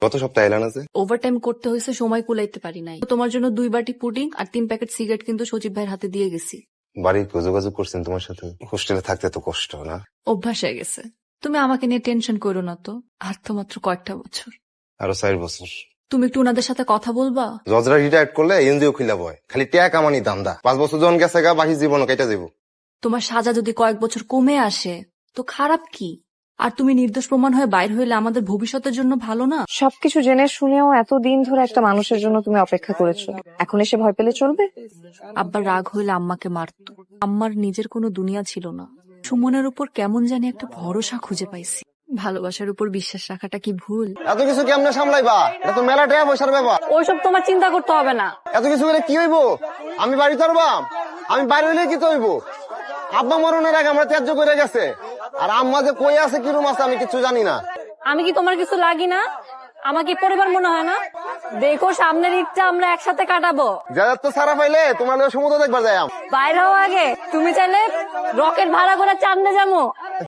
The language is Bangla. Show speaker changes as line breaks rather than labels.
গত সপ্তাহে এলান আছে।
ওভারটাইম করতে হয়েছে, সময় কুলাইতে পারি নাই। তোমার জন্য 2 বাটি পুডিং আর 3 প্যাকেট সিগারেট কিন্তু সজীব ভাইয়ের হাতে দিয়ে গেছি।
বাড়ির কেউ যোগাযোগ করছেন তোমার সাথে? হোস্টেলে থাকতে তো কষ্ট না?
অভ্যাস হয়ে গেছে। তুমি আমাকে নিয়ে টেনশন করো না তো, আর তো মাত্র কয়েকটা বছর।
আরো 4 বছর।
তুমি একটু ওনাদের সাথে কথা বলবা?
জজরা রিটায়ার্ড করলে এনজিও খুলে বয়, খালি ট্যাগ কামানি দামদা। 5 বছর জন গেছে গা, বাকি জীবন কেটে যাবো।
তোমার সাজা যদি কয়েক বছর কমে আসে তো খারাপ কি? আর তুমি নির্দোষ প্রমাণ হয়ে বাইর হইলে আমাদের ভবিষ্যতের জন্য ভালো না?
সবকিছু জেনে শুনেও এতদিন ধরে একটা মানুষের জন্য তুমি অপেক্ষা করেছো, এখন এসে ভয় পেলে চলবে?
আব্বার রাগ হইলে আম্মাকে মারতো। আম্মার নিজের কোনো দুনিয়া ছিল না। সুমনের উপর কেমন জানি একটা ভরসা খুঁজে পাইছি। ভালোবাসার উপর বিশ্বাস রাখাটা কি ভুল?
এত কিছু কেমনে সামলাইবা? এটা তো মেলা টাকা পয়সার ব্যাপার।
ওইসব তোমার চিন্তা করতে হবে না।
এত কিছু হলে কি হইব? আমি বাড়ি তরবাম, আমি বাইরে হইলে কি তো হইব? আব্বা মরণের আগে আমরা ত্যায্য করে গেছে, আর আম্মা যে কই আছে কিরম আছে আমি কিছু জানি না।
আমি কি তোমার কিছু লাগি না? আমাকে পরিবার মনে হয় না? দেখো সামনের ঈদটা আমরা একসাথে কাটাবো।
যাদের তো সারা পাইলে তোমার সমুদ্র দেখবার যাই।
বাইরে হওয়া আগে তুমি চাইলে রকেট ভাড়া করে চাঁদে যাবো।